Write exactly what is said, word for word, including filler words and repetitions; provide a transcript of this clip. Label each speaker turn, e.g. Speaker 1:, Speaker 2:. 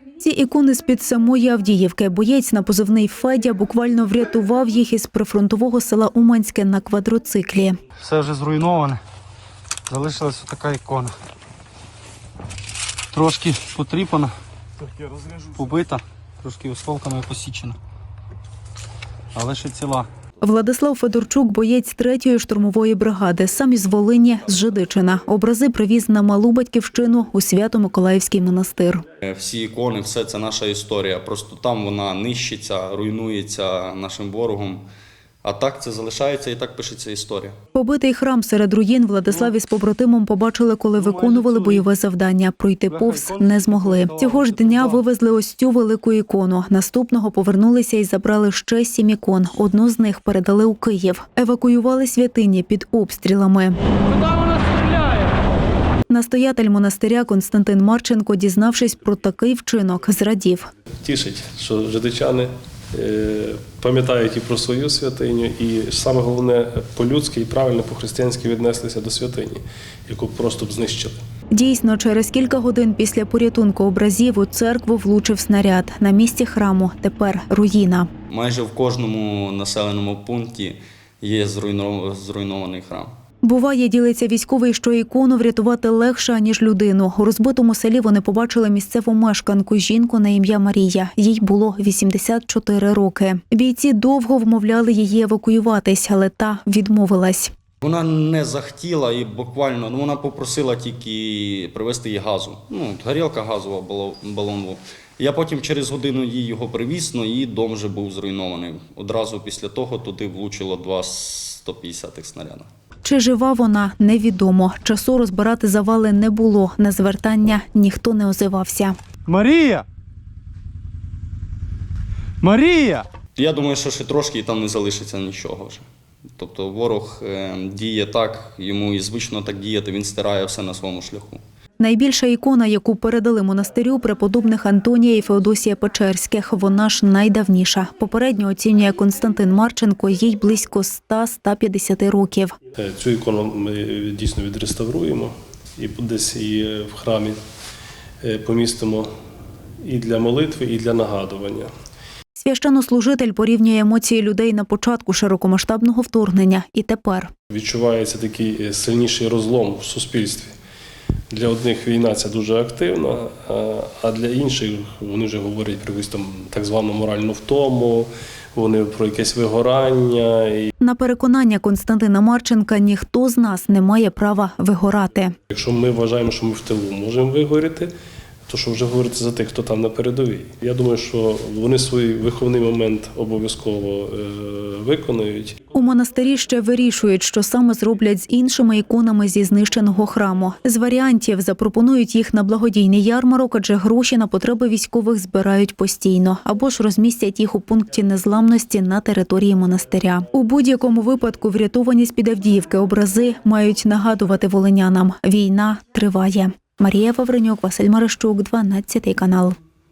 Speaker 1: Ці ікони з-під самої Авдіївки. Боєць на позивний Федя буквально врятував їх із прифронтового села Уманське на квадроциклі.
Speaker 2: Все вже зруйноване. Залишилась така ікона. Трошки потріпана, побита, трошки осколками посічена. Але ще ціла.
Speaker 1: Владислав Федорчук – боєць третьої штурмової бригади, сам із Волині, з Жидичина. Образи привіз на малу батьківщину у Свято-Миколаївський монастир.
Speaker 3: Всі ікони – все це наша історія. Просто там вона нищиться, руйнується нашим ворогом. А так це залишається і так пишеться історія.
Speaker 1: Побитий храм серед руїн Владислав із побратимом побачили, коли виконували бойове завдання. Пройти повз не змогли. Цього ж дня вивезли ось цю велику ікону. Наступного повернулися і забрали ще сім ікон. Одну з них передали у Київ. Евакуювали святині під обстрілами.
Speaker 4: Куди вона стріляє?
Speaker 1: Настоятель монастиря Константин Марченко, дізнавшись про такий вчинок, зрадів.
Speaker 5: Тішить, що жидичани пам'ятають і про свою святиню, і саме головне, по-людськи і правильно, по-християнськи віднеслися до святині, яку просто б знищили.
Speaker 1: Дійсно, через кілька годин після порятунку образів у церкву влучив снаряд. На місці храму тепер руїна.
Speaker 3: Майже в кожному населеному пункті є зруйнований храм.
Speaker 1: Буває, ділиться військовий, що ікону врятувати легше, ніж людину. У розбитому селі вони побачили місцеву мешканку, жінку на ім'я Марія. Їй було вісімдесят чотири роки. Бійці довго вмовляли її евакуюватись, але та відмовилась.
Speaker 3: Вона не захотіла і буквально, ну, вона попросила тільки привезти їй газу. Ну, горілка газова, балон був. Я потім через годину їй його привіз, але її дом вже був зруйнований. Одразу після того туди влучило два сто п'ятдесятих снаряда.
Speaker 1: Чи жива вона, невідомо. Часу розбирати завали не було. На звертання ніхто не озивався.
Speaker 2: Марія! Марія!
Speaker 3: Я думаю, що ще трошки і там не залишиться нічого вже. Тобто ворог е, діє так, йому і звично так діяти, він стирає все на своєму шляху.
Speaker 1: Найбільша ікона, яку передали монастирю преподобних Антонія і Феодосія Печерських, вона ж найдавніша. Попередньо оцінює Константин Марченко, їй близько ста - ста п'ятдесяти років.
Speaker 5: Цю ікону ми дійсно відреставруємо і десь її в храмі помістимо і для молитви, і для нагадування.
Speaker 1: Священнослужитель порівнює емоції людей на початку широкомасштабного вторгнення і тепер.
Speaker 5: Відчувається такий сильніший розлом в суспільстві. Для одних війна – це дуже активна, а для інших вони вже говорять про якусь там так звану моральну втому, вони про якесь вигорання.
Speaker 1: На переконання Константина Марченка, ніхто з нас не має права вигорати.
Speaker 5: Якщо ми вважаємо, що ми в тилу можемо вигоріти, то що вже говорити за тих, хто там на передовій. Я думаю, що вони свій виховний момент обов'язково виконують.
Speaker 1: У монастирі ще вирішують, що саме зроблять з іншими іконами зі знищеного храму. З варіантів запропонують їх на благодійний ярмарок, адже гроші на потреби військових збирають постійно. Або ж розмістять їх у пункті незламності на території монастиря. У будь-якому випадку врятовані з-під Авдіївки образи мають нагадувати волинянам – війна триває. Марія Вавренюк, Василь Марищук, дванадцятий канал.